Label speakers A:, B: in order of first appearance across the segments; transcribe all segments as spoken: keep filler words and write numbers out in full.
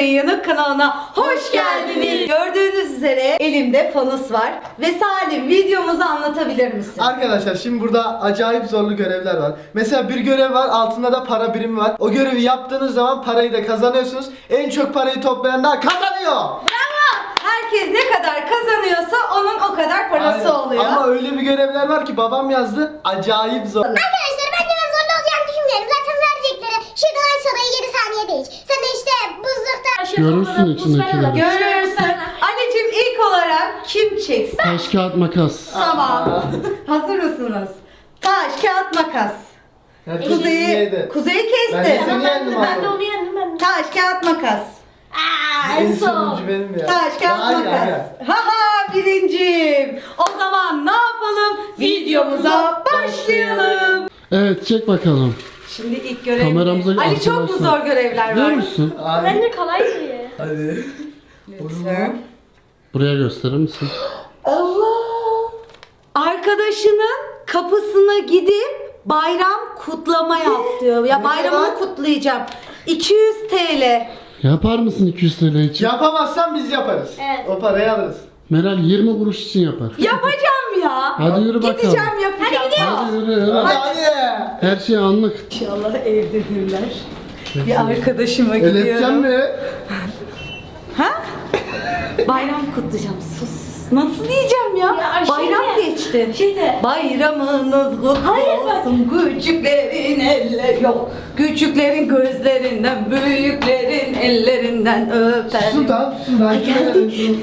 A: Yanık kanalına hoş geldiniz. Gördüğünüz üzere elimde fanus var. Ve Salim, videomuzu anlatabilir misin?
B: Arkadaşlar şimdi burada acayip zorlu görevler var. Mesela bir görev var, altında da para birimi var. O görevi yaptığınız zaman parayı da kazanıyorsunuz. En çok parayı toplayan da kazanıyor.
A: Bravo! Herkes ne kadar kazanıyorsa onun o kadar parası
B: Aynen.
A: oluyor.
B: Ama öyle bir görevler var ki babam yazdı. Acayip zor.
C: Arkadaşlar ben de ben zorlu olacağını düşünmüyorum. Zaten verecekleri şuradan aç sodayı yedi saniye değil. Sen de işte buzlukta...
D: Görürsün içindekileri.
A: Görürsün. Anneciğim ilk olarak kim çeksin?
D: Taş kağıt makas.
A: Tamam. Hazır mısınız? Taş, kağıt, makas.
B: Herkes
A: Kuzeyi,
B: yedi.
A: kuzeyi
B: Ben de
A: kesti.
B: seni yendim
C: Ben de
B: abi.
C: onu yendim ben de.
A: Taş, kağıt, makas.
C: Aaa
B: En
C: en son.
B: sonuncu benim ya.
A: Taş, kağıt,
B: Hayır,
A: makas.
B: hayır.
A: Haha birinciyim. O zaman ne yapalım? Videomuza başlayalım.
D: Evet, çek bakalım.
A: Şimdi ilk görev.
D: Kameramıza
A: Ali çok mu
D: arkadaşlar.
A: zor görevler var?
D: Görürsün.
B: Abi,
C: Bence kolay değil.
B: hadi.
A: Lütfen.
D: Buraya gösterir misin?
A: Allah! Arkadaşının kapısına gidip bayram kutlama yap diyor. Ya
B: Ne
A: bayramını
B: kadar?
A: kutlayacağım. iki yüz TL.
D: Yapar mısın iki yüz TL için?
B: Yapamazsan biz yaparız.
C: Evet.
B: O parayı alırız.
D: Meral yirmi kuruş için yapar.
A: Yapacağım ya.
D: Hadi yürü bakalım.
A: Gideceğim yapacağım.
D: Hadi yürü yürü.
B: Hadi hadi.
D: Her şey anlık.
A: İnşallah evdedirler. Bir arkadaşıma
B: Ölepeceğim
A: gidiyorum.
B: mi?
A: Ha? Bayram kutlayacağım. Sus sus. Nasıl diyeceğim ya?
C: Ya şey
A: Bayram
C: de-
A: geçti.
C: şey de-
A: Bayramınız kutlu
C: Hayır, bak.
A: olsun. Küçüklerin eller yok. Küçüklerin gözlerinden, büyüklerin ellerinden öper.
B: Susun tamam susun.
A: Ay, geldi.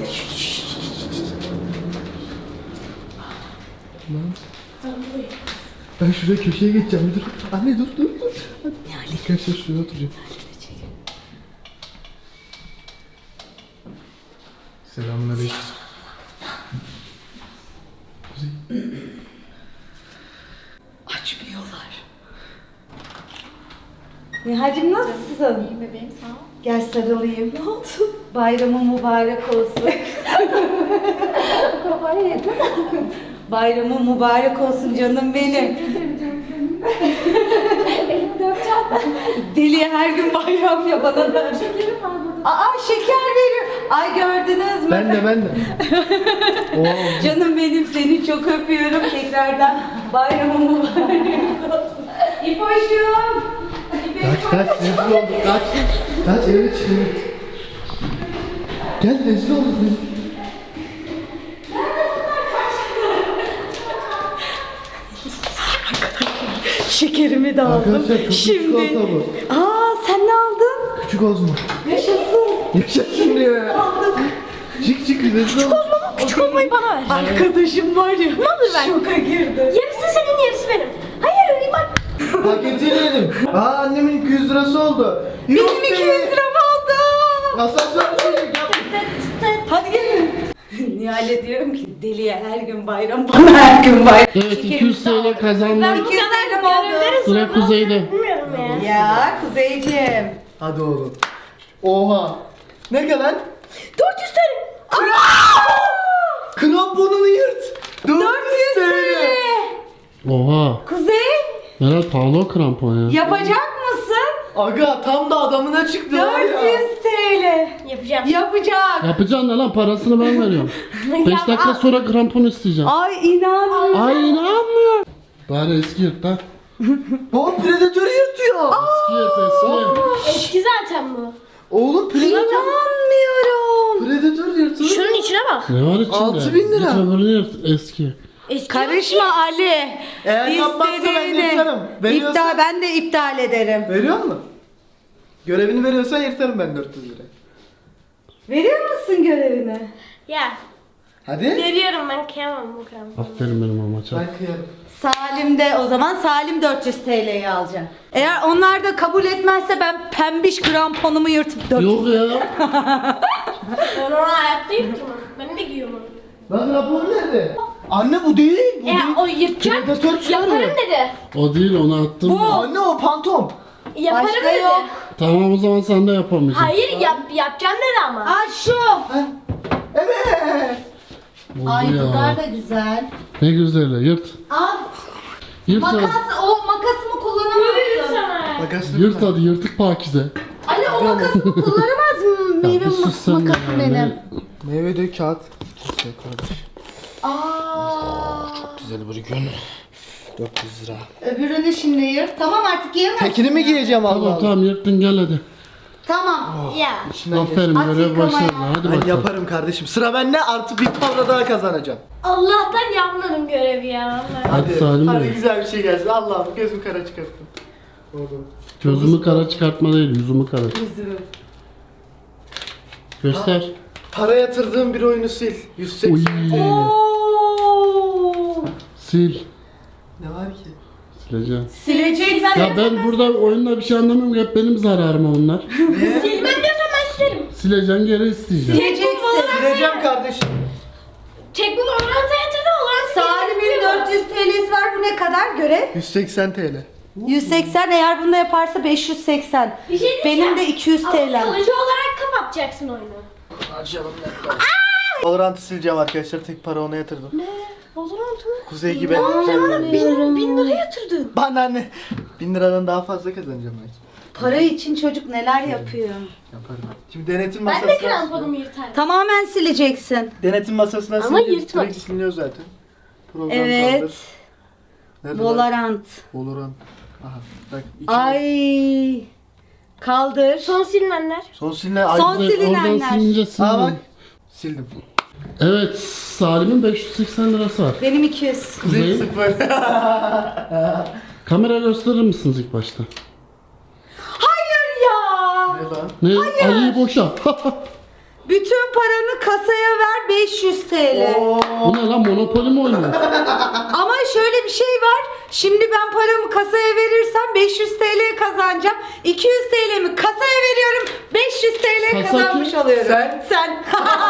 B: Ben şuraya köşeye geçeceğim. Dur. Anne dur dur dur. Arkadaşlar şuraya oturacağım. Selamünaleyküm.
A: Açmıyorlar. Nihal'cim nasılsın?
C: İyi bebeğim sağ ol.
A: Gel sarılayım. Ne oldu? Bayramın mübarek olsun.
C: Kafayı yedim.
A: Bayramın mübarek olsun canım benim.
C: Elimi dökeceğim.
A: Deli her gün bayram ya bana da.
C: Şekerim almadım.
A: Aa şeker veriyor. Ay gördünüz mü?
B: Ben de ben de. Oo.
A: Canım benim seni çok öpüyorum tekrardan. Bayramın mübarek olsun. İpoş'um.
B: Kaç kaç rezil olduk kaç. Kaç eve çık eve. Gel rezil olduk biz.
A: Şekerimi de aldım.
B: Arkadaşlar çok küçük
A: Şimdi.
B: olsa bu.
A: Aa sen ne aldın?
B: Küçük Ozmo.
A: Yaşasın.
B: Yaşasın diyor ya.
A: Aldık.
B: Çık çık rezil olduk.
C: Küçük olmayı bana ver.
A: Arkadaşım var ya. Ne
C: olur ben?
A: Şoka girdi.
C: Yarısı senin yarısı benim. Hayır bak.
B: Paketini yedim. Aa annemin iki yüz lirası oldu. Yok
A: Benim iki
B: be.
A: yüz liram oldu.
B: Asansör çocuk yap.
A: Hadi gelin. Nihal'e diyorum ki deliye her gün bayram bana her gün bayram.
D: Evet, iki yüz TL kazandık.
C: Ben bu
A: İki yüz
C: kadar
A: liram oldu.
C: görevleri
D: Sıra
C: sonra
D: Kuzey'de.
C: bilmiyorum ya.
A: Ya Kuzeyciğim.
B: Hadi oğlum. Oha. Ne kadar?
C: dört yüz TL.
B: Kramponunu yırt.
A: dört yüz TL.
D: Oha.
A: Kuzey
D: Meral pahalı o krampon ya.
A: yapacak mısın?
B: Aga tam da adamına çıktı var ya.
A: dört yüz TL.
C: Yapacağım.
A: Yapacak.
D: Yapacaksın da lan, parasını ben veriyorum. beş
C: Ya,
D: dakika
C: al.
D: sonra krampon isteyeceğim.
A: Ay inanmıyorum.
D: Ay inanmıyorum. Bari eski yırt lan.
B: O predatörü yırtıyor.
D: Eski yırt eski.
C: Eski zaten bu.
B: Oğlum predatör.
A: İnanmıyorum.
B: Predatör yırtıyor.
C: Şunun içine bak.
D: Ne var içinde?
B: Altı bin lira.
D: Git öbürünü yırt eski.
C: Eski
A: Karışma Ali.
B: Eğer yapmazsa ben
A: İstediğini.
B: yırtarım. Veriyorsa-
A: İptal, ben de iptal ederim.
B: Veriyor musun? Görevini veriyorsan yırtarım ben dört yüz lira.
A: Veriyor musun görevini?
C: Ya.
B: Hadi.
C: Veriyorum ben kıyamam bu kramponu.
D: Aferin benim amaça.
B: Ben kıyarım.
A: Salim de o zaman Salim dört yüz TL'yi alacak. Eğer onlar da kabul etmezse ben pembiş kramponumu yırtıp dört yüz.
D: Yok ya.
C: Ben onu ayaktayım ki ben. Ben de giyiyorum onu.
B: Lan rapor nerede? Anne bu değil. Bu
C: E
B: değil.
C: o yırtacak.
B: Predatör çıkarıyor.
C: Yaparım dedi.
D: O değil, onu attım.
A: Bu.
D: ben.
B: Anne o pantom.
C: Yaparım
A: Başka
C: dedi.
A: yok.
D: Tamam, o zaman sen de yapamayacaksın.
C: Hayır yap, yapacağım dedi ama.
A: Aa şu.
B: Ha? Evet.
D: Oldu
A: Ay
D: ya.
A: bunlar da güzel.
D: Ne güzel, yırt.
A: Al.
D: Yırt hadi.
A: Makas, o makasımı
C: Veririm
A: kullanamazsın.
C: sana.
B: Makasını
D: Yırt hadi, yırtık pakize.
A: Ali o makasımı kullanamaz mı? meyve
D: bir sus sen de
A: makasım
D: ya,
A: benim.
D: ne-
B: Meyve de kağıt. Güzel kardeş.
A: Aa.
B: Güzel bir gün. dört yüz lira.
A: Öbürünü şimdi yırt. Tamam artık yiyemezsin.
B: Tekini mi giyeceğim Allah
D: Tamam
B: Allah?
D: tamam yırttın gel hadi.
A: Tamam.
C: Ya.
B: İçinden geç.
D: Aferin
A: At
D: görev
A: yıkamaya.
D: başarılı. Hadi
B: Ben
D: bakalım.
B: yaparım kardeşim. Sıra bende, artı bir para daha kazanacağım.
C: Allah'tan yapmadım görevi ya.
D: Hadi Salim
B: Hadi
D: Bey.
B: güzel bir şey gelsin. Allah'ım gözüm kara çıkarttım. Oldu.
D: Gözümü kara çıkartma değil yüzümü kara.
A: Üzülüm.
D: Göster.
B: Para yatırdığım bir oyunu sil. yüz
D: Uy.
B: seksen.
A: Oo.
D: Sil.
B: Ne var ki?
D: Sileceğim.
A: Sileceksin.
D: Ya ben burada oyunda bir şey anlamıyorum. Hep benim zararıma onlar.
C: Silmem diyorsan ben silerim.
D: Sileceksin geri isteyeceğim.
A: Sileceksin.
B: Sileceğim kardeşim.
C: Tek bu Valorant'a yatırdı olan
A: Salim'in dört yüz T L'si var. Bu ne kadar göre?
B: yüz seksen TL.
A: yüz seksen, eğer bunu da yaparsa beş yüz seksen.
C: Bir şey diyeceğim.
A: Benim de iki yüz
C: Ama
A: T L'm.
C: kalıcı olarak kapatacaksın oyunu.
B: Açalım laptopu. Valorant'ı sileceğim arkadaşlar. Tek para ona yatırdım.
C: Ne? Valorant mı?
B: Kuzey gibi.
C: Sen bana bin, bin lira yatırdın.
B: Bana ne? Bin liradan daha fazla kazanacağım belki.
A: Para için çocuk neler yapıyor.
B: Yaparım. Şimdi denetim
C: Ben
B: masasına...
C: de kramponumu yırtarım.
A: Tamamen sileceksin.
B: Denetim masasına
C: Ama
B: sileceğim.
C: yırtma.
B: Direkt siliniyor zaten. Program
A: Evet.
B: kaldır. Nerede lan?
A: Valorant.
B: Valorant. Aha. Bak. iki-
A: Ay. Kaldır.
C: Son silinenler.
B: Son siline. Ay-
A: Son
D: Oradan
A: silinenler.
D: silince
B: Aa bak.
D: sildim.
B: Sildim.
D: Evet Salim'in beş yüz seksen lirası var.
A: Benim iki yüz.
B: Kuzey
D: Kuzey.
B: sıfır.
D: Kamera gösterir misiniz ilk başta?
A: Hayır ya.
B: Ne lan?
D: Ne? Ali'yi boşa.
A: Bütün paranı kasaya ver, beş yüz T L.
B: Oo.
D: Bu ne lan Monopoly mi oynuyor?
A: Ama şöyle bir şey var. Şimdi ben paramı kasaya verirsem beş yüz T L kazanacağım. iki yüz T L'mi kasaya veriyorum. beş yüz T L
D: Kasa
A: kazanmış
D: kim?
A: oluyorum.
B: Sen?
A: Sen.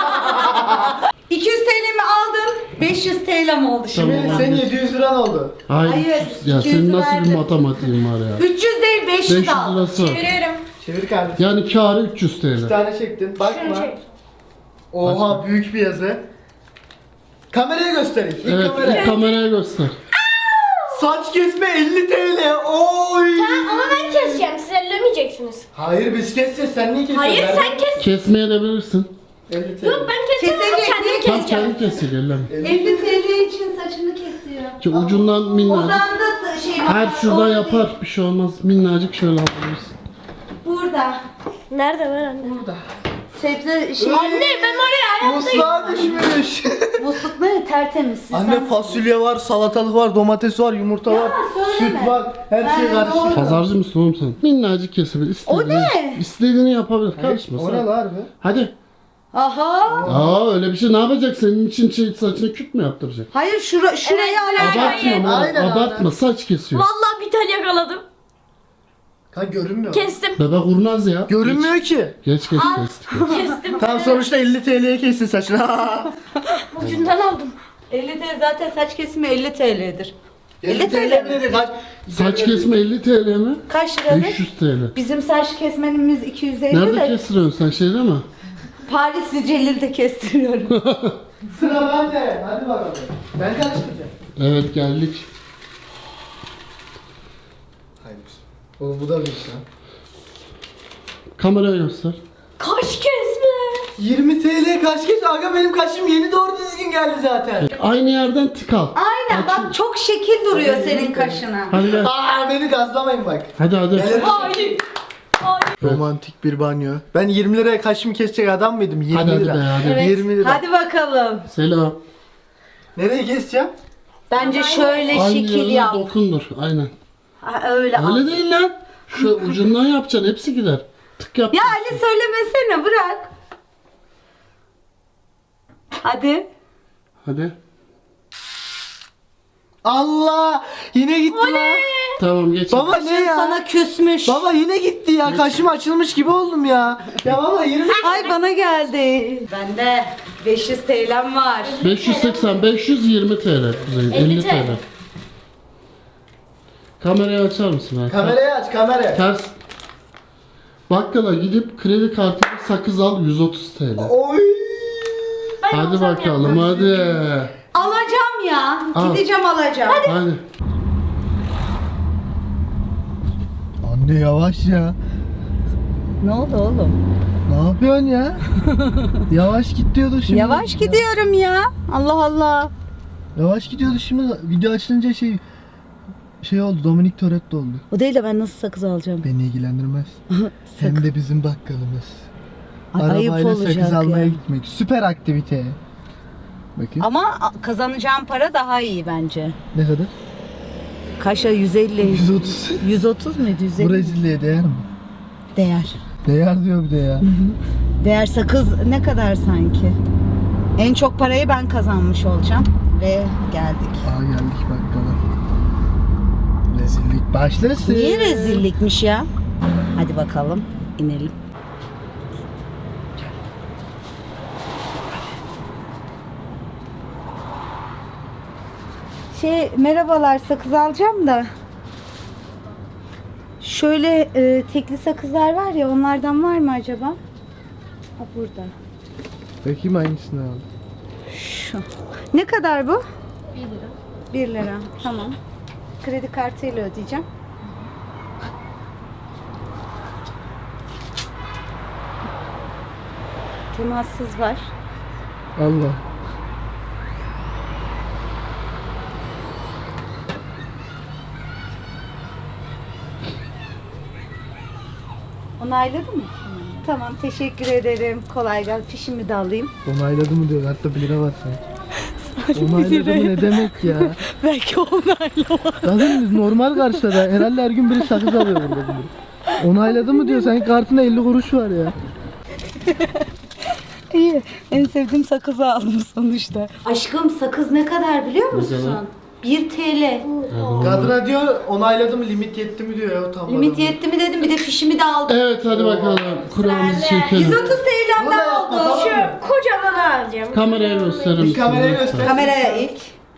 A: iki yüz T L'mi aldın. beş yüz T L'm oldu şimdi.
D: Tamam.
B: Senin yedi yüz liran oldu.
D: Hayır.
A: Hayır,
D: Ya
A: iki yüz
D: senin nasıl
A: verdim.
D: bir matematiğin var ya?
A: üç yüz değil, beş
D: beş
A: yüz
D: yüz
A: al.
D: lirası var.
C: Çeviriyorum.
B: Çevir kardeşim.
D: Yani kârı üç yüz
B: Bir
D: T L.
B: tane çektin.
C: Şunu
B: Bakma.
C: çek.
B: Oha büyük bir yazı. Kameraya göstereyim. İlk
D: Evet
B: kamera.
D: ilk kameraya göster.
B: Saç kesme elli TL. Oy.
C: Tamam ama ben keseceğim. Siz ellemeyeceksiniz.
B: Hayır biz keseceğiz. Sen niye kesiyorsun?
C: Hayır
B: Ben-
C: sen kes.
D: Kesmeye de bilirsin.
B: elli TL.
C: Yok ben keseceğim ama
A: Kesecek,
C: kendim
A: niye
D: Tam
C: keseceğim.
D: kendi kesiyor elleme.
A: elli T L için saçını kesiyor.
D: Şu ucundan minnacık.
A: Oradan da şey
D: Her şurada
A: orada
D: yapar
A: değil.
D: bir şey olmaz. Minnacık şöyle alırız.
A: Burada.
C: Nerede var anne?
B: Burada.
A: Sebze şey.
C: Anne ben oraya hayatta
B: Musluğa düşmüş.
A: Musluk ne? Tertemiz. Siz
B: Anne
A: sen-
B: fasulye var, salatalık var, domates var, yumurta var,
A: söyleme.
B: süt var. Her
A: Ben
B: şey karışık.
A: doğru.
D: Pazarcı mısın oğlum sen? Minnacık kesebilir. İstediğini,
A: ne?
D: İstediğini yapabilir. Karışma
B: O ne
D: sen.
B: lan harbi?
D: Hadi.
A: Aha.
D: Aa öyle bir şey ne yapacak? Senin için şey, saçını küt mü yaptıracak?
A: Hayır şura, şurayı
C: Evet,
A: alacağım.
D: Abartma
C: hayır.
D: oğlum,
B: Aynen,
D: abartma.
B: aynen.
D: Saç kesiyor.
C: Vallahi bir tane yakaladım.
B: Ha görünmüyor.
C: Kestim.
D: Bebe kurnaz ya.
B: Görünmüyor ki.
D: Geç geç geç. geç.
C: Kestim.
B: Tam sonuçta elli TL'ye kestin saçını.
C: Ucundan aldım.
A: elli T L zaten saç kesimi elli T L'dir.
B: elli TL dedi kaç?
D: Saç kesme elli T L mi?
A: Kaç liradır?
D: beş yüz T L.
A: Bizim saç kesmenimiz iki yüz elli
D: Nerede
A: de
D: kestiriyorsun sen şeyde mi?
A: Parisli Celil'de kestiriyorum.
B: Sıra bende. Hadi bakalım. Ben karıştıracağım.
D: Evet geldik.
B: Hayır. Oğlum bu da büyük lan.
D: Kameraya göster.
C: Kaş kesme.
B: yirmi TL kaç kez? Aga benim kaşım yeni doğru düzgün geldi zaten.
D: Aynı yerden tık al.
A: Aynen bak çok şekil duruyor senin kaşına.
D: Hadi gel.
B: Aa beni gazlamayın bak.
D: Hadi hadi.
C: Hayır. Hayır.
B: Romantik bir banyo. Ben yirmi liraya kaşımı kesecek adam mıydım? yirmi
D: Hadi, hadi
B: lira.
D: be, hadi.
A: Evet.
B: yirmi lira.
A: Hadi bakalım.
D: Selam.
B: Nereye keseceğim?
A: Bence şöyle
D: Aynı
A: şekil
D: yerine
A: yap.
D: dokundur. Aynen.
A: Ha, öyle al.
D: Öyle değil lan. Şu ucundan yapacaksın. Hepsi gider. Tık yap.
A: Ya Ali söylemesene bırak. Hadi.
D: Hadi.
B: Allah! Yine gitti lan.
D: Tamam geç.
B: Baba ne ya?
A: Sana küsmüş.
B: Baba yine gitti ya. Kaşım açılmış gibi oldum ya. Ya baba yirmi
A: Ay bana geldi. Bende beş yüz T L'm var.
D: beş yüz seksen, beş yüz yirmi T L. Kuzey, elli T L. Kamerayı açar mısın? abi?
B: Kamerayı aç kamera.
D: Ters. Bakkala gidip kredi kartıyla sakız al yüz otuz T L.
B: Oy!
D: Hadi bakalım hadi.
A: Alacağım ya.
D: Al.
A: Gideceğim alacağım.
D: Hadi.
B: Anne yavaş ya.
A: Ne oldu oğlum?
B: Ne yapıyorsun ya? Yavaş git diyordu şimdi.
A: Yavaş gidiyorum ya. Allah Allah.
B: Yavaş gidiyordu şimdi. Video açılınca şey şey oldu. Dominik Toretto oldu.
A: O değil de ben nasıl sakız alacağım?
B: Beni ilgilendirmez. Hem de bizim bakkalımız.
A: Ay, ayıp
B: Arabayla sakız
A: olacak
B: almaya
A: ya.
B: gitmek. Süper aktivite. Bakayım.
A: Ama kazanacağım para daha iyi bence.
B: Ne kadar?
A: Kaşa yüz elli.
B: yüz otuz.
A: yüz otuz muydu? yüz elli.
B: Brezilya'ya değer mi?
A: Değer.
B: Değer diyor bir de ya.
A: Değer sakız ne kadar sanki? En çok parayı ben kazanmış olacağım. Ve geldik.
B: Aa geldik bakkala. Rezillik başlasın.
A: Niye rezillikmiş ya? Hadi bakalım inelim. Şey merhabalar, sakız alacağım da. Şöyle e, tekli sakızlar var ya, onlardan var mı acaba? Ha, burada.
B: Bakayım hangisini al.
A: Şu. Ne kadar bu? bir lira. bir lira. Tamam. Kredi kartıyla ödeyeceğim. Temassız var.
B: Allah.
A: Onayladın mı? Tamam, teşekkür ederim. Kolay gelsin. Fişimi de alayım.
B: Onayladı mı diyor. Hatta bir lira var sanki. Onayladı mı ne demek ya?
A: Belki onaylamadı.
B: Zaten biz normal karşıda. Herhalde her gün biri sakız alıyor burada. Biri. Onayladı mı diyor. Senin kartında elli kuruş var ya.
A: İyi. En sevdiğim sakızı aldım sonuçta. Aşkım, sakız ne kadar biliyor musun? bir TL.
B: Kadına diyor onayladı mı limit yetti mi diyor ya utanmadan.
A: Limit yetti mi dedim, bir de fişimi de aldım.
D: Evet hadi bakalım. Kur'an'ımızı çekelim.
A: yüz otuz
B: Bunu da
A: TL'mden
B: yapma,
A: oldu.
B: tamam mı?
C: Şu kocaman alacağım.
D: Kameraya gösterir misin?
B: kameraya
D: lütfen?
B: göster.
A: Kameraya ilk.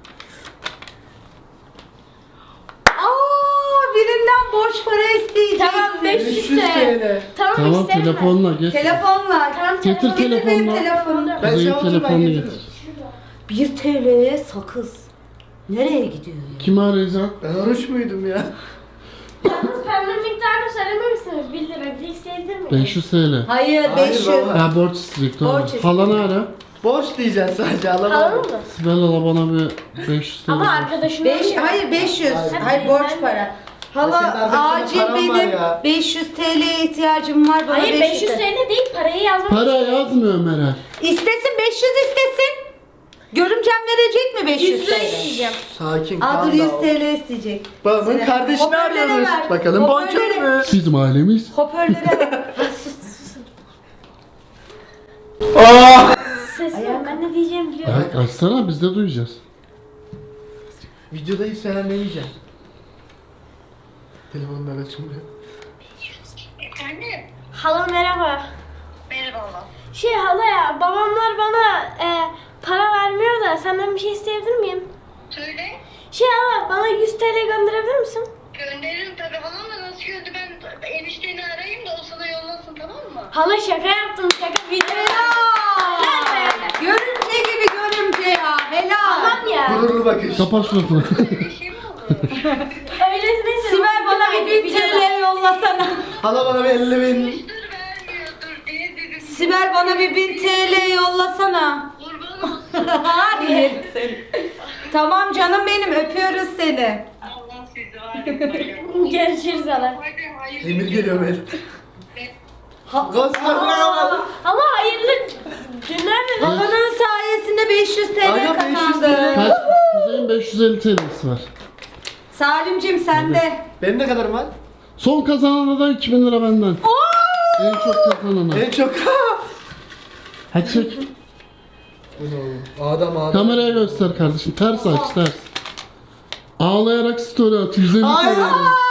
A: Aa, birinden borç para isteyeceksin.
C: Tamam, beş yüz
B: beş yüz TL.
C: Tamam,
D: Tamam
C: isterim ben.
D: telefonla geç.
A: Telefonla.
C: Tamam,
D: Getir
C: telefon.
A: Getir benim
D: telefonla.
A: telefonumu.
B: Ben
D: Kuzey'in
B: şey otur ben
D: telefonunu
B: getiririm.
D: getir.
A: bir TL'ye sakız. Nereye gidiyor ya?
D: Kimi arayacağım?
B: Ben oruç muydum ya?
C: Yalnız pembe miktarını söylememişsiniz. bir lira. Bir isteyebilir miyim?
D: beş yüz TL.
A: Hayır,
B: Hayır
A: beş yüz.
B: baba.
D: Ha borç istedik doğru.
A: Borç istedik.
D: Halanı ara.
B: Borç diyeceksin sadece
C: Alalım
B: alamadım.
C: mı?
D: Sibel hala bana bir beş yüz TL.
C: Ama
D: borç.
C: arkadaşım
A: Beş,
C: arıyor.
A: hayır beş yüz.
B: Hayır.
A: Hayır, borç para.
B: senin
A: Hala
B: arkadaşının
A: acil
B: paran var
A: benim
B: ya.
A: beş yüz TL'ye ihtiyacım var. Bana
C: Hayır, beş yüz
A: TL.
C: TL değil, parayı yazmak.
D: Para yazmıyor Meral.
A: İstesin, beş yüz istesin. Görümcem verecek mi beş yüz
C: yüz lira
A: TL?
C: isteyeceğim.
B: Sakin
A: Aa,
B: kal
A: dur, yüz
B: da.
A: TL isteyecek.
B: Babamın
A: Sıra.
B: kardeşini
A: Hoparlöre
B: arıyoruz.
A: ver.
B: Bakalım
A: Hoparlöre.
B: boncuk mu?
D: Bizim ailemiz.
A: Hoparlöre ver. Sus, sus.
C: Sesim yok. Ben ne diyeceğimi biliyorum.
D: Ya açsana biz de duyacağız.
B: Videodayız sen ne diyeceksin? Telefonlar açılmıyor.
C: Efendim? Hala merhaba. Merhaba. Şey hala ya, babamlar bana e, para vermiyor da senden bir şey isteyebilir miyim?
E: Söyle.
C: Şey hala, bana yüz TL gönderebilir misin?
E: Gönderirim tabii falan da nasıl göndü ben enişteni arayayım da o sana yollasın tamam mı?
C: Hala şaka yaptım, şaka video.
A: Helal. Görümce gibi görümce ya. Helal.
C: Tamam ya.
B: Gururlu bakış.
D: Kapat suratını.
E: Bir şey mi oldu?
C: Öylesine
A: Sibel bana bir bin TL yollasana.
B: Hala bana bir elli bin.
E: Dur vermiyordur diye dedim.
A: Sibel bana bir bin TL yollasana.
E: Kurban olsun.
A: Hadi yerim seni. Tamam canım benim, öpüyoruz seni.
E: Allah sizi var etmeyin.
C: Görüşürüz hala.
E: Hadi hayırlı
B: Emir geliyor böyle.
A: Ha-
B: Gösterme.
C: Ama hayırlı günler de.
A: Babanın sayesinde beş yüz TL
B: Aga, beş yüz
A: kazandı.
D: Kaç? Kuzey'in beş yüz elli TL'si var.
A: Salimcim sende.
B: Benim ne kadar var?
D: Son kazanana da iki bin lira benden. En çok kazanana.
B: En çok.
D: Hadi çek.
B: Adam adam.
D: Kameraya göster kardeşim. Ters aç ters. Ağlayarak story at. yüz elli
B: Ay.
D: TL.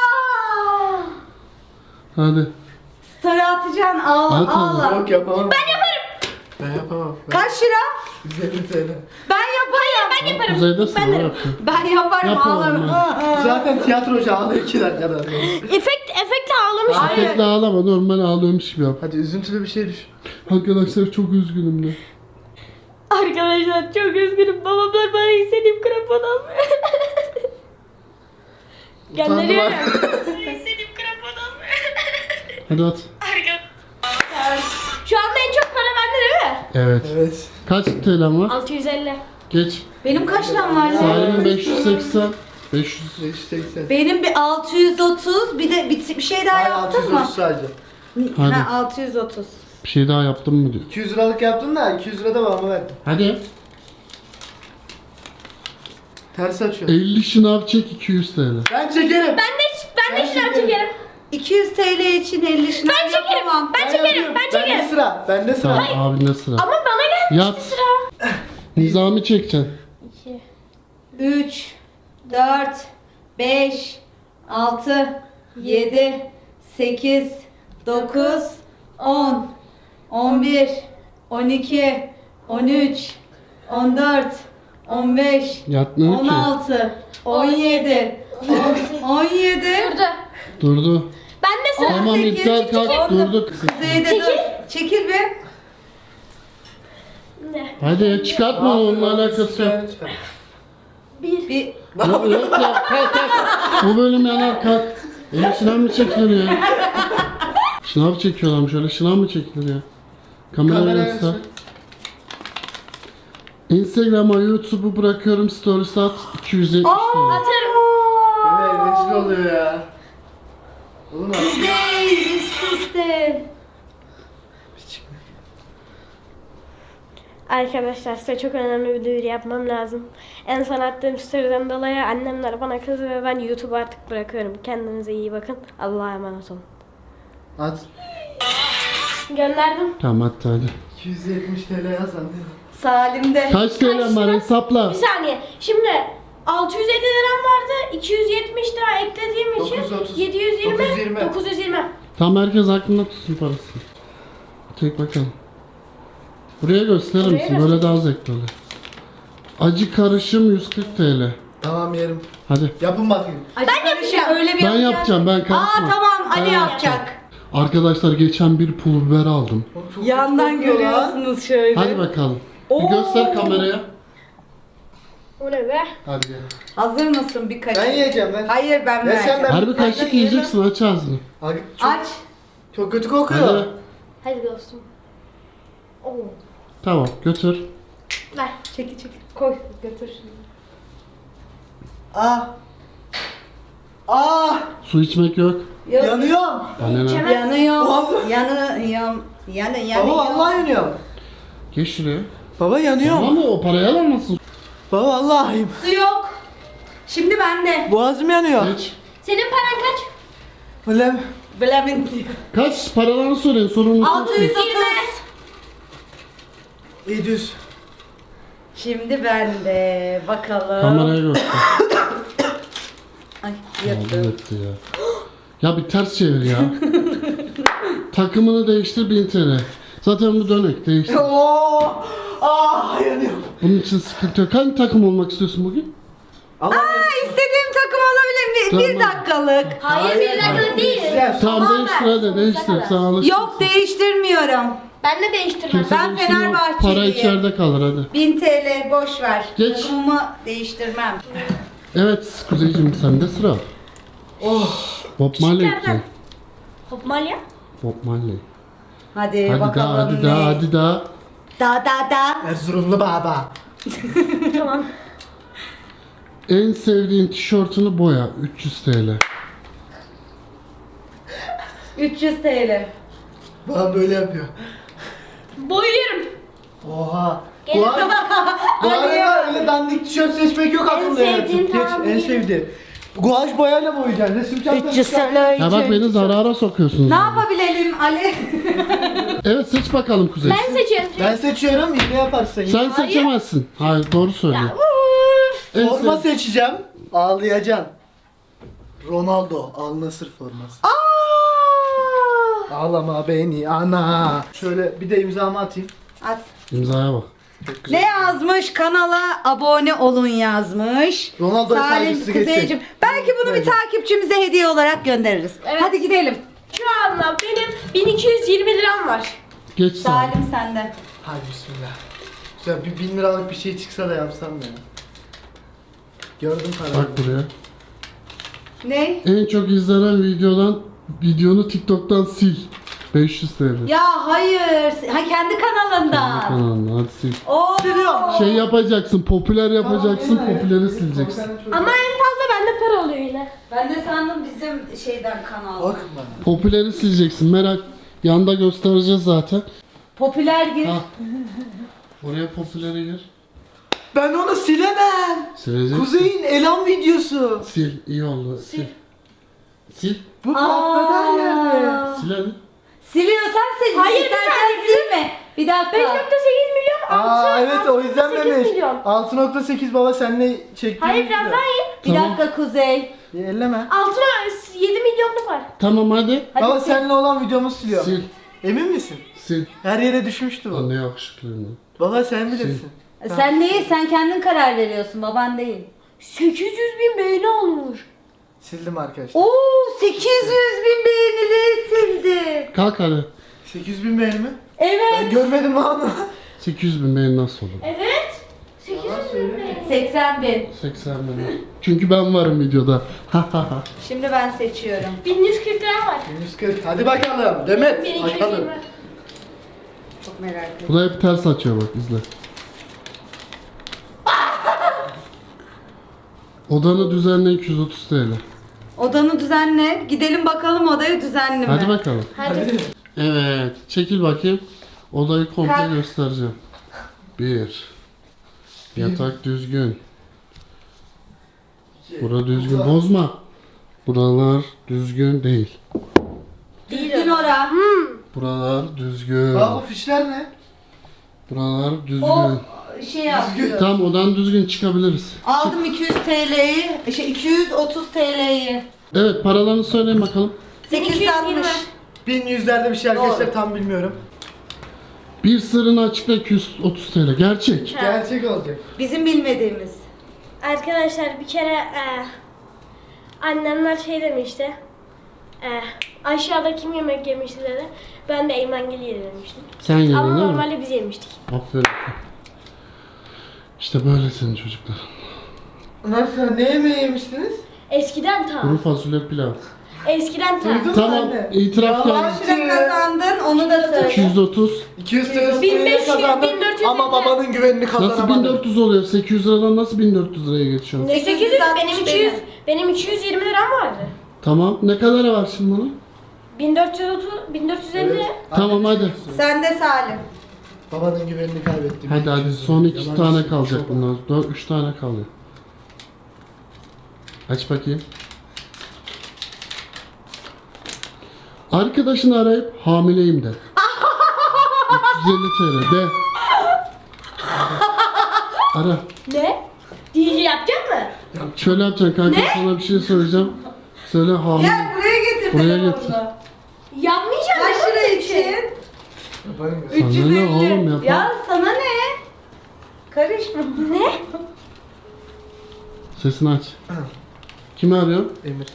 D: Hadi.
A: Story atacaksın, ağla
D: At oğlum.
A: ağla.
B: Yok yapamam. Ben yaparım. Ben yapamam. Ben
A: Kaç lira?
B: yüz elli TL.
A: Ben yaparım. Ben yaparım.
D: Kuzey'de sıra yapıyor.
A: Ben yaparım,
D: Yap oğlum,
A: ağlarım.
B: Zaten tiyatrocu ağlıyor iki dakikada.
C: Efekt, efektle ağlamış.
A: Hayır.
D: Efektle ağlama normal ağlıyormuş gibi yap.
B: Hadi üzüntülü bir şey düş.
D: Arkadaşlar çok üzgünüm de.
C: Arkadaşlar çok üzgünüm. Babamlar bana istediğim krampon almıyor. Gönderiyorum.
E: İstediğim krampon almıyor.
D: Hadi at.
E: Arka.
D: Evet.
B: Evet.
D: Kaç T L'm var?
C: altı yüz elli.
D: Geç.
A: Benim kaç liram var ya?
D: Salim'in beş yüz seksen. beş yüz.
B: beş yüz seksen.
A: Benim bir altı yüz otuz, bir de bir, bir şey daha
B: Hayır,
A: yaptın mı?
B: altı yüz otuz sadece.
D: Hadi.
A: Ha, altı yüz otuz.
D: Bir şey daha yaptın mı diyor.
B: iki yüz liralık yaptın da iki yüz lira da bana verdin.
D: Hadi.
B: Ters açıyor.
D: elli şınav çek iki yüz T L.
B: Ben çekerim.
C: Ben de ben de
B: Ben
C: şınav
B: çekerim.
C: çekerim.
A: iki yüz T L için elli şınav
C: Ben çekerim.
A: yapamam.
C: Ben çekerim.
B: yapıyorum.
C: Ben çekerim.
B: Bende sıra. Bende sıra.
D: Tamam abinde sıra.
C: Ama bana gelmişti
D: Yap.
C: sıra.
D: Nizami çekeceksin.
C: İki.
A: üç, dört, beş, altı, yedi, sekiz, dokuz, on, on bir, on iki, on üç, on dört, on beş,
D: Yatmıyor
A: on
D: ki.
A: altı, on yedi, on yedi.
C: Durdu.
D: Durdu.
C: Ben de sıra.
D: Tamam
A: sekiz,
D: iptal kalk
A: on.
D: durdu.
A: Kuzeyde dur. Çekil bir.
C: Ne?
D: Hadi çıkartma onunla alakası yok.
C: Bir.
A: Bir.
D: Yok yok ya kalk kalk. Bu bölüm yanar kalk. Eli şınav mı çekilir ya? Şınav çekiyorlarmış öyle şınav mı çekilir ya? Kamera
B: Kamera
D: göster.
B: göster.
D: Instagram'a YouTube'u bırakıyorum stories at iki yüz yetmiş lira.
C: Atarım.
B: Evet rezil oluyor ya. Oğlum abi.
A: Kuzey üst üste.
C: Arkadaşlar size çok önemli bir duyuru yapmam lazım. En son attığım story'den dolayı annemler bana kızdı ve ben YouTube'u artık bırakıyorum. Kendinize iyi bakın. Allah'a emanet olun.
B: At.
C: Gönderdim.
D: Tamam hadi hadi.
B: iki yüz yetmiş T L yazan değil mi?
A: Salim'de.
D: Kaç T L'm var hesapla.
C: Bir saniye. Şimdi altı yüz elli liram vardı. iki yüz yetmiş lira eklediğim için
B: dokuz yüz otuz.
C: yedi yüz yirmi.
B: dokuz yüz yirmi.
C: dokuz yüz yirmi.
D: Tam herkes aklında tutsun parasını. Çek bakalım. Buraya gösterir
C: Buraya
D: misin? Böyle daha zevkli oluyor. Acı karışım yüz kırk T L.
B: Tamam yerim.
D: Hadi.
B: Yapın bakayım.
A: Ben yapacağım. Öyle bir
D: Ben
A: yapacağız.
D: yapacağım ben karışma.
A: Aa tamam Ali
D: Ben
A: yapacak.
D: Arkadaşlar geçen bir pul biber aldım.
B: Oğlum çok
A: Yandan
B: kötü kokuyor lan.
A: görüyorsunuz şöyle.
D: Hadi bakalım.
A: Oo.
D: Bir göster kameraya.
C: O ne be?
D: Hadi gel.
A: Hazır mısın bir kaşık?
B: Ben yiyeceğim ben.
A: Hayır ben
B: Ya sen
A: vereceğim.
B: ben-
D: Her bir kaşık
B: ben
D: yiyeceksin aç ağzını.
B: Abi, çok,
A: Aç.
B: çok kötü kokuyor.
D: Hadi.
C: Hadi dostum. Oo.
D: Tamam götür.
C: Ver.
A: Çekil çekil. Koy götür şimdi.
B: Ah. Ah.
D: Su içmek yok.
A: Yok.
B: Yanıyorum.
D: Bana ne?
C: İçemez.
A: Yanıyorum.
B: Vallahi.
A: Yanıyorum. Yanı yanıyorum.
B: Baba vallahi yanıyorum.
D: Geç şuraya.
B: Baba yanıyorum.
D: Ama o parayı alamazsın.
B: Baba vallahi.
A: Su yok. Şimdi bende.
B: Boğazım yanıyor.
D: Geç.
C: Senin paran kaç?
B: Ulan.
A: Bilemin diyor.
D: Kaç paralarını söyleyin sorumlusu.
A: altı yüz otuz.
B: yedi yüz.
A: Şimdi bende. Bakalım.
D: Kameraya göster.
A: Ay
D: Oldu
A: yırttım.
D: etti ya. Ya bir ters çevir ya. Takımını değiştir bin T L. Zaten bu dönek değiştir.
B: Oo. Ah yanıyorum.
D: Bunun için sıkıntı yok. Hangi takım olmak istiyorsun bugün?
B: Allah
A: Aa, istediğim takım olabilir mi? Bir
D: Tamam.
A: dakikalık.
C: Hayır, bir dakika değil.
B: Değiştireceğim.
D: Tamam
C: Tamam,
D: değiştir
C: ver.
D: hadi
C: Sonsuza
D: değiştir.
C: kadar.
D: Sen alışırsın.
A: Yok değiştirmiyorum.
C: Ben de değiştirmem.
D: Kimse
A: Ben
D: değiştirmiyor.
A: Fenerbahçeliyim.
D: Para içeride kalır hadi.
A: bin T L boş ver.
D: Geç.
A: Takımımı değiştirmem.
D: Evet Kuzeyciğim sende sıra.
B: Oh.
D: Bob Marley
C: Küçüklerden.
D: ki.
C: Hop Malya.
D: Bob Marley.
A: Hadi,
D: Hadi
A: bakalım
D: daha hadi
A: ne?
D: daha hadi daha.
A: Da da da.
B: Erzurumlu baba.
C: Tamam.
D: En sevdiğin tişörtünü boya üç yüz T L.
A: üç yüz T L.
B: Bana böyle yapıyor.
C: Boyuyorum.
B: Oha.
C: Gel.
B: Bu arada, bu arada öyle dandik tişört seçmek yok aklımda yani.
C: sevdiğin,
B: Geç,
C: tamam,
B: en
C: bileyim.
B: sevdiğim. Guaj boyayla boyayacaksın. Resim çantası.
A: üç yüz T L.
D: Ya bak beni zarara sokuyorsunuz.
A: Ne
D: yani.
A: yapabilelim Ali?
D: Evet seç bakalım Kuzey.
C: Ben seçiyorum.
B: Ben seçiyorum yine yaparsın.
D: Sen seçemezsin. Hayır doğru söylüyor.
C: Uf.
D: En
B: Forma
D: sev-
B: seçeceğim. Ağlayacaksın. Ronaldo Al Nassr forması.
A: Aa!
B: Ağlama beni ana. Şöyle bir de imzamı atayım.
A: At.
D: İmzaya bak.
B: Çok güzel.
A: Ne yazmış? Kanala abone olun yazmış.
B: Ronaldo'ya
A: Salim
B: saygısı
A: Kuzeyciğim.
B: geçecek.
A: Belki bunu bir
B: Bence.
A: takipçimize hediye olarak göndeririz.
C: Evet.
A: Hadi gidelim.
C: Şu anda benim bin iki yüz yirmi liram var.
D: Geç sağ.
A: Salim sende.
B: Hadi bismillah. Güzel bir bin liralık bir şey çıksa da yapsam ya. Gördüm parayı.
D: Bak buraya.
A: Ne?
D: En çok izlenen videodan videonu TikTok'tan sil. beş yüz T L.
A: Ya hayır. Ha kendi kanalından.
D: Kanalına hadi sil.
A: Oo.
D: Şey yapacaksın, popüler yapacaksın,
B: Tamam, yine.
D: popüleri sileceksin.
C: Ama en fazla bende para oluyor yine.
A: Ben de sandım bizim şeyden kanal.
B: Bakma.
D: Popüleri sileceksin, merak. Yanda göstereceğiz zaten.
A: Popüler gir.
D: Ha. Oraya popüleri gir.
B: Ben onu silemem.
D: Sileceksin.
B: Kuzey'in elan videosu.
D: Sil, iyi oldu. Sil. Sil.
B: Bu patladı her yerde.
A: Aa.
D: Sil hadi.
A: Siliyorsan sil.
C: Hayır, bir
A: İstersen
C: saniye.
A: silme. Bir dakika.
C: beş nokta sekiz milyon altı.
B: Aa evet o izlenmemiş.
C: milyon.
B: altı nokta sekiz baba senle çektiğimiz
C: Hayır biraz
B: video.
C: daha iyi.
A: Bir
D: Tamam.
A: dakika Kuzey.
B: Ya, elleme.
C: altı yedi milyonluk var.
D: Tamam hadi.
A: Hadi
B: Baba
A: sil.
B: seninle olan videomu siliyor.
D: Sil.
B: Emin misin?
D: Sil.
B: Her yere düşmüştü bu.
D: Lan ne yakışıklıyım.
B: Baba sen bilirsin.
A: Sen değil, sen kendin karar veriyorsun, baban değil.
C: sekiz yüz bin beğeni almış.
B: Sildim arkadaşlar.
A: Oo, sekiz yüz bin beğenili sildi.
D: Kalk hadi.
B: sekiz bin beğeni mi?
A: Evet.
B: Ben görmedim lan.
D: sekiz yüz bin beğeni nasıl olur?
C: Evet. sekiz yüz bin beğeni.
A: seksen bin.
D: seksen bin. Çünkü ben varım videoda.
A: Şimdi ben seçiyorum.
C: bin yüz kırk lira var.
B: yüz kırk. Hadi bakalım. Demet.
C: bin iki yüz
B: Bakalım.
C: yirmi.
A: Çok merak ettim.
D: Bu da hep ters açıyor bak izle. Odanı düzenle iki yüz otuz T L.
A: Odanı düzenle. Gidelim bakalım odayı düzenli mi?
D: Hadi bakalım.
C: Hadi.
D: Evet. Çekil bakayım. Odayı komple
A: Kalk.
D: göstereceğim. Bir. Yatak düzgün. Bura düzgün. Bozma. Buralar düzgün değil.
A: Düzgün ora.
D: Buralar düzgün.
B: Baba bu fişler ne?
D: Buralar düzgün.
A: O şey yapıyor.
D: Tamam odan düzgün çıkabiliriz.
A: Aldım iki yüz T L'yi. Şey iki yüz otuz T L'yi.
D: Evet paralarını söyleyin bakalım.
A: sekiz yüz altmış.
B: bin yüzlerde bir şey arkadaşlar
A: Doğru.
B: tam bilmiyorum.
D: Bir sırrını açıkla iki yüz otuz T L. Gerçek.
B: Gerçek olacak.
A: Bizim bilmediğimiz.
C: Arkadaşlar bir kere e, annemler şey demişti. E, aşağıda kim yemek yemişti dedi. Ben de Eymengil yemiştim.
D: Sen yedin
C: Ama
D: değil mi?
C: normalde biz yemiştik.
D: Aferin. İşte böyle senin çocuklar.
B: Nasıl? Ne yemeği yemiştiniz?
C: Eskiden ta.
D: Kuru fasulye pilav.
C: Eskiden ta.
B: Duydun mu
D: Tamam
B: anne?
D: itiraf
B: Yalan.
D: geldi.
A: Kaç lira kazandın onu da söyle.
D: iki yüz otuz.
B: iki yüz T L
C: bin beş yüz,
B: kazandım
C: bin dört yüz
B: ama
C: lira.
B: babanın güvenini
D: Nasıl
B: kazanamadım.
D: bin dört yüz oluyor? sekiz yüz liradan nasıl bin dört yüz liraya geçiyorsun?
C: Ne sekiz yüz? Benim
A: sekiz yüz
C: iki yüz,
A: benim.
C: benim iki yüz yirmi liram vardı.
D: Tamam. Ne kadar var şimdi bunun?
C: bin dört yüz otuz, bin dört yüz elli.
B: Evet.
D: Tamam hadi.
A: Sen de Salim.
B: Babanın güvenini kaybettim.
D: Hadi hadi son iki
B: Yalan
D: tane
B: söylüyor.
D: kalacak bundan. Dört, üç tane kalıyor. Aç bakayım. Arkadaşını arayıp hamileyim de. üç yüz elli T L de. Ara.
C: Ne? D J yapacak mı?
D: Şöyle yapacaksın kanka sana bir şey söyleyeceğim. Söyle hamile.
A: Gel buraya getir
D: Buraya
A: telefonunu.
D: getir.
C: Yapmayacağım.
A: Kaç lira için?
B: Yaparım ya.
D: Sana
A: üç yüz
D: ne
A: elli.
D: oğlum yapar.
A: Ya sana ne? Karışma.
C: Ne?
D: Sesini aç. Kimi arıyor?
B: Emir.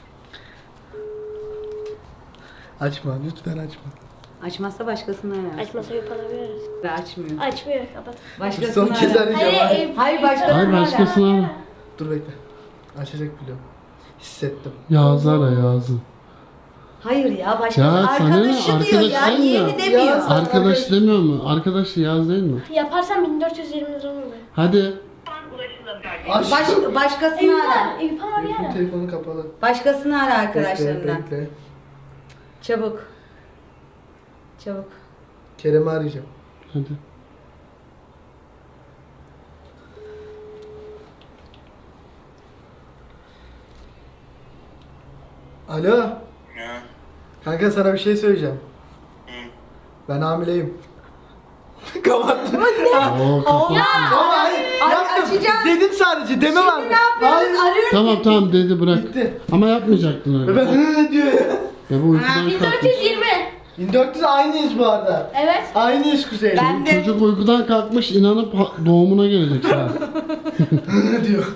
B: Açma lütfen açma.
A: Açmazsa başkasını arar.
C: Açmasa yapabiliriz.
A: Açmıyor.
C: Açmıyor, kapat.
A: Başkasını
B: Son kez
A: arar.
B: arayacağım.
C: Hayır,
B: Hayır,
C: ev-
A: Hayır,
C: ev-
A: başkasını
D: Hayır
A: ara.
D: başkasını ara.
B: Dur bekle. Açacak biliyorum. Hissettim.
D: Yağız'ı ara Yağız'ı.
A: Hayır ya başkası.
D: Ya sana ne?
A: Arkadaşı diyor
D: Arkadaş
A: ya.
D: değil mi?
A: Yeğeni demiyor.
B: Ya.
D: Arkadaş demiyor mu? Arkadaş Yağız değil mi?
C: Yaparsam bin dört yüz yirmi lira olur.
D: Hadi.
B: Aç.
A: Baş, başkasını
C: Eyüp
A: ara.
C: var, Eyüp var bir
B: Telefonun
C: ara.
B: telefonu kapalı.
A: Başkasını ara
B: Bekle
A: arkadaşlarından.
B: bekle.
A: Çabuk. Çabuk.
B: Kerem'i arayacağım.
D: Hadi.
B: Alo.
F: Ya.
B: Kanka sana bir şey söyleyeceğim. Ben hamileyim. Kapattım.
D: Oo, kapat.
B: Ama hayır.
A: Ay,
B: Yaptım.
A: açacağım.
B: Dedim sadece deme var.
A: Ne yapıyoruz? Arıyoruz.
D: Tamam tamam dedi bırak.
B: Bitti.
D: Ama yapmayacaktın
B: Ve
D: öyle.
B: ben hı diyor ya.
D: Ya bu uykudan
C: bin dört
D: kalkmış.
C: yüz yirmi.
B: bin dört yüz aynıyız bu arada.
C: Evet.
B: Aynıyız Kuzey.
A: Ben de.
D: Çocuk uykudan kalkmış inanıp ha- doğumuna gelecek sana.
B: Hı diyor.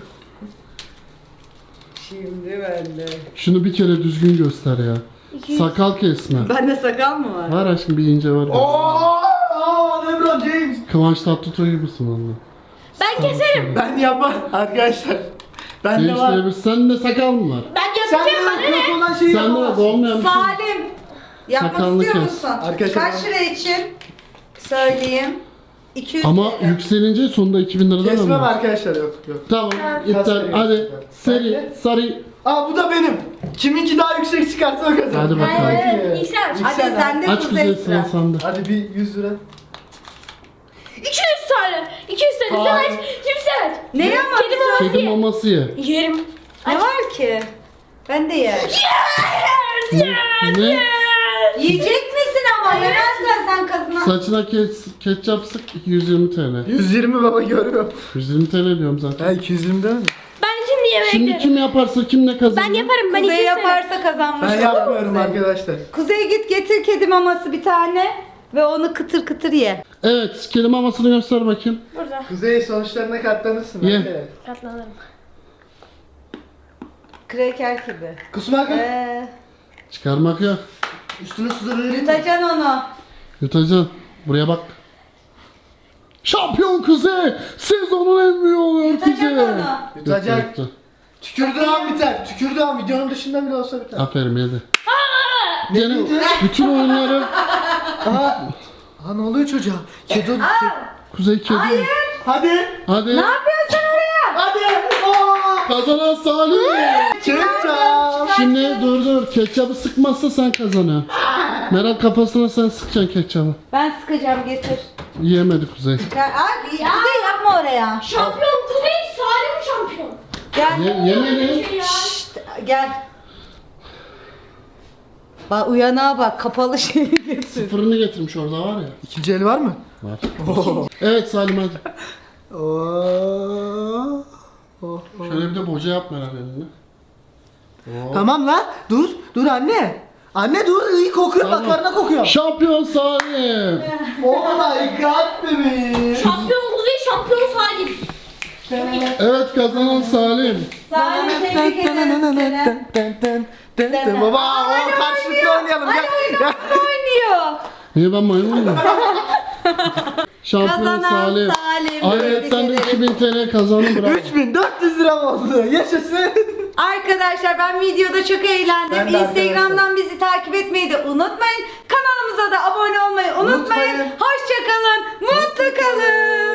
A: Şimdi ben de.
D: Şunu bir kere düzgün göster ya. Sakal kesme.
A: Bende sakal mı var?
D: Var aşkım bir ince var.
B: Ooo! Aa, LeBron James.
D: Kıvanç Tatlıtuğ gibisin valla.
C: Ben keserim.
B: Ben yapar arkadaşlar. Ben de var.
D: Değiştirebilir. Sende sakal mı var?
C: Ben
B: Sen
C: yapacağım
B: de
C: bana ne?
B: yok olan şeyi
D: Sende de
B: yapamazsın.
D: olmayan bir şey.
A: Salim. Yapmak
D: Sakalını
A: istiyor
D: kes.
A: musun?
B: Arkadaşlar
A: Kaç
B: ben-
A: lira için? Söyleyeyim. iki yüz
D: Ama
A: T L.
D: yükselince sonunda iki bin liradan
B: Kesmem
D: alırız.
B: arkadaşlar, yok yok.
D: Tamam, iptal.
B: Kasayı
D: Hadi,
B: yapacağım.
D: seri,
B: Hadi.
D: sarı.
B: Aa bu da benim. Kiminki daha yüksek çıkarsa o kazanır.
D: Hadi bakalım.
C: Hayır, ilk sen aç.
A: Hadi
B: Yüksel
A: sen de
D: Aç
A: Kuzey
D: Kuzey, sıra
A: sıra.
D: sende.
B: Hadi bir yüz lira.
C: iki yüz tane. iki yüz tane. Sen
B: Hayır.
C: aç. Şimdi sen aç.
A: Ne
C: Kedi
A: yamak?
C: maması
D: Kedi
C: ye.
D: maması ye.
C: Yerim.
A: Ne var ki? Ben de yerim.
D: Ne? ne?
A: Yiyecek misin ama? Yemezsen sen kazan.
D: Saçına ke ketçap sık yüz yirmi T L.
B: yüz yirmi baba görüyorum.
D: yüz yirmi T L diyorum zaten.
B: Ha iki yüz yirmi değil mi?
C: Ben şimdi yemek
D: Şimdi
C: yerim.
D: kim yaparsa kim ne kazanır?
C: Ben yaparım. Ben iki
A: Kuzey
C: yüz tane.
A: yaparsa kazanmış.
B: Ben
A: olur
B: yapmıyorum
A: Kuzey.
B: arkadaşlar.
A: Kuzey git getir kedi maması bir tane ve onu kıtır kıtır ye.
D: Evet, kedi mamasını göster bakayım.
C: Burada.
B: Kuzey sonuçlarına katlanırsın.
D: Ye.
B: hadi.
C: Katlanırım.
A: Kreker gibi.
B: Kusmak yok.
A: Ee,
D: Çıkarmak yok.
B: Üstüne su da vereyim mi?
A: yutacaksın onu.
D: Yutacaksın. Buraya bak. Şampiyon Kuzey! Sezonun en büyüğü oluyor Kuzey.
A: Yutacaksın onu.
B: Yutacak.
D: Yuttu, yuttu.
B: Tükürdüğü an biter. Tükürdüğü an videonun dışında bile olsa biter.
D: Aferin yedi.
B: Ne
D: Gene
B: dedi?
D: bütün oyunları
B: Aha. Aha ne oluyor çocuğa? Kedi.
D: Kuzey kedi.
B: Hadi.
D: Hadi.
A: Ne yapıyorsun sen oraya?
B: Hadi. Aa.
D: Kazanan Salih.
B: Ketçap.
D: Şimdi dur dur. Ketçabı sıkmazsa sen kazanıyorsun. Meral kafasına sen sıkacaksın ketçabı.
A: Ben sıkacağım getir.
D: Yiyemedi Kuzey.
A: Gel, abi, Kuzey yapma oraya.
C: Şampiyon Kuzey. Salim şampiyon.
A: Gel.
D: Ye yemedi.
C: Ya.
A: Şşt, gel. Bak uyanağa bak kapalı şey getir.
D: Sıfırını getirmiş orada var ya.
B: İkinci el var mı?
D: Var. Evet Salim hadi.
B: Oo. Oh.
D: Şöyle bir de boca yap Meral eline. Oo.
B: Tamam la. Dur. Dur anne. Anne dur. İyi kokuyor.
D: Tamam.
B: Makarna kokuyor.
D: Şampiyon Salim.
B: Oh my god bebeğim.
C: Şampiyon Kuzey. Şampiyon Salim.
D: Evet kazanan Salim.
A: Salim tebrik ederim seni.
B: Baba o karşılıklı oynayalım. Gel. Gel.
A: Oynuyor.
D: Niye ben maymun muyum? Şampiyon
A: Kazanan
D: Salim.
A: Salim.
D: Ay, evet
A: Tebrik
D: sen de
A: ederim.
D: iki bin T L kazandın bravo.
B: üç bin dört yüz lira oldu. Yaşasın.
A: Arkadaşlar ben videoda çok eğlendim.
B: Ben de
A: Instagram'dan bizi takip etmeyi de unutmayın. Kanalımıza da abone olmayı unutmayın.
B: Unutmayın.
A: Hoşça kalın. Mutlu kalın.